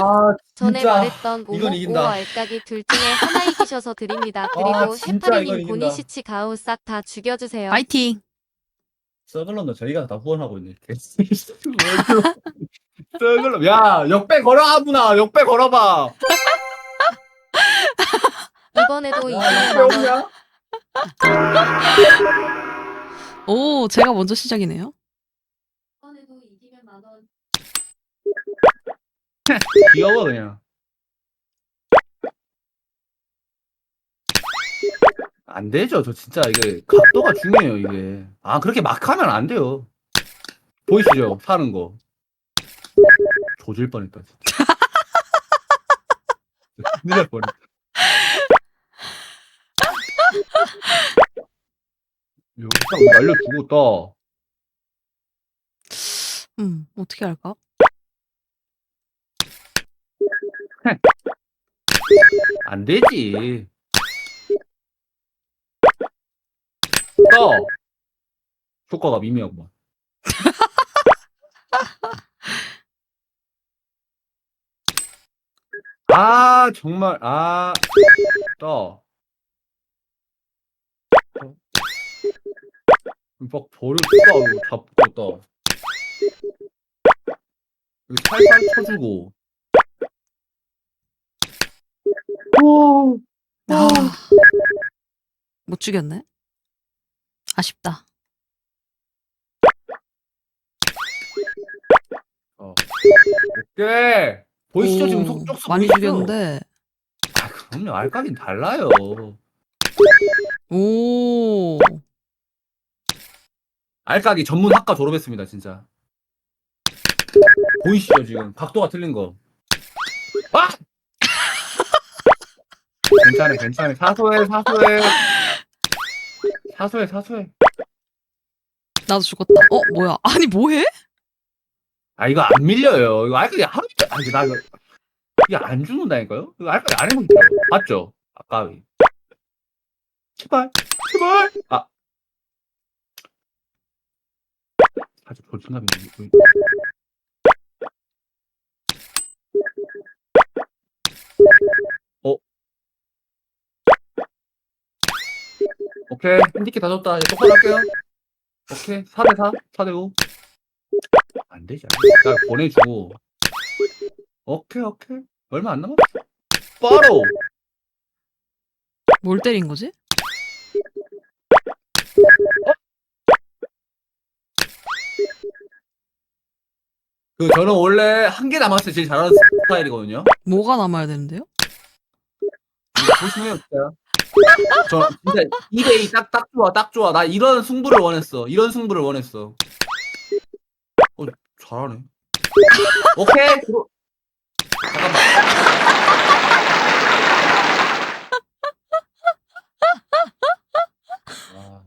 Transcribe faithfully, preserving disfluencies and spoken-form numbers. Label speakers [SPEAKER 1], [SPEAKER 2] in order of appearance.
[SPEAKER 1] 아,
[SPEAKER 2] 전에
[SPEAKER 1] 진짜.
[SPEAKER 2] 말했던
[SPEAKER 1] 이건
[SPEAKER 2] 오목
[SPEAKER 1] 이긴다.
[SPEAKER 2] 오어 알까기 둘 중에 하나 이기셔서 드립니다. 그리고
[SPEAKER 1] 아, 진짜 이건
[SPEAKER 2] 해파리님
[SPEAKER 1] 이긴다.
[SPEAKER 2] 보니시치 가우 싹 다 죽여주세요.
[SPEAKER 3] 파이팅.
[SPEAKER 1] 서글럼도 저희가 다 후원하고 있네. 서글럼. 야, 역배 걸어, 아무나. 역배 걸어봐.
[SPEAKER 2] 이번에도 이기면
[SPEAKER 1] 야,
[SPEAKER 2] 만원.
[SPEAKER 1] 역배
[SPEAKER 3] 오, 제가 먼저 시작이네요.
[SPEAKER 2] 이번에도 이기면 만원.
[SPEAKER 1] 귀여워, 그냥. 안 되죠. 저 진짜 이게 각도가 중요해요, 이게. 아, 그렇게 막 하면 안 돼요. 보이시죠? 사는 거. 조질 뻔했다, 진짜. 큰일 날 뻔했다. 여기 딱 날려주고 떠.
[SPEAKER 3] 음, 어떻게 할까?
[SPEAKER 1] 안 되지. 떠. 효과가 미미하구만. 아, 정말, 아, 떠. 막 버려, 떠. 잡고 떠. 여기 살살 쳐주고. 오,
[SPEAKER 3] 아, 못 죽였네. 아쉽다.
[SPEAKER 1] 어. 오케이. 보이시죠? 지금
[SPEAKER 3] 오,
[SPEAKER 1] 속쪽수
[SPEAKER 3] 많이
[SPEAKER 1] 보이시죠?
[SPEAKER 3] 죽였는데.
[SPEAKER 1] 아, 그럼요. 알까긴 달라요.
[SPEAKER 3] 오,
[SPEAKER 1] 알까기 전문 학과 졸업했습니다, 진짜. 보이시죠, 지금? 각도가 틀린 거. 아! 괜찮아, 괜찮아. 사소해, 사소해. 사소해, 사소해.
[SPEAKER 3] 나도 죽었다. 어, 뭐야? 아니, 뭐해?
[SPEAKER 1] 아, 이거 안 밀려요. 이거 알까기 하루 이틀, 아, 이거 나 이거. 이게 안 죽는다니까요? 이거 알까기 안 해본 거죠. 맞죠? 아까. 제발, 제발! 아. 아주 볼진감이 있네. 어? 오케이. 핸디캡 다 줬다. 이제 똑바로 할게요. 오케이. 사 대 사, 사 대 오. 안 되지. 안 되지. 나 보내주고. 오케이, 오케이. 얼마 안 남았어. 바로!
[SPEAKER 3] 뭘 때린 거지?
[SPEAKER 1] 그, 저는 원래 한 개 남았을 때 제일 잘하는 스타일이거든요.
[SPEAKER 3] 뭐가 남아야 되는데요?
[SPEAKER 1] 이거 보시면 어때요? 저 진짜 이 대 이 딱, 딱 좋아, 딱 좋아. 나 이런 승부를 원했어. 이런 승부를 원했어. 어, 잘하네. 오케이. 들어... 잠깐만.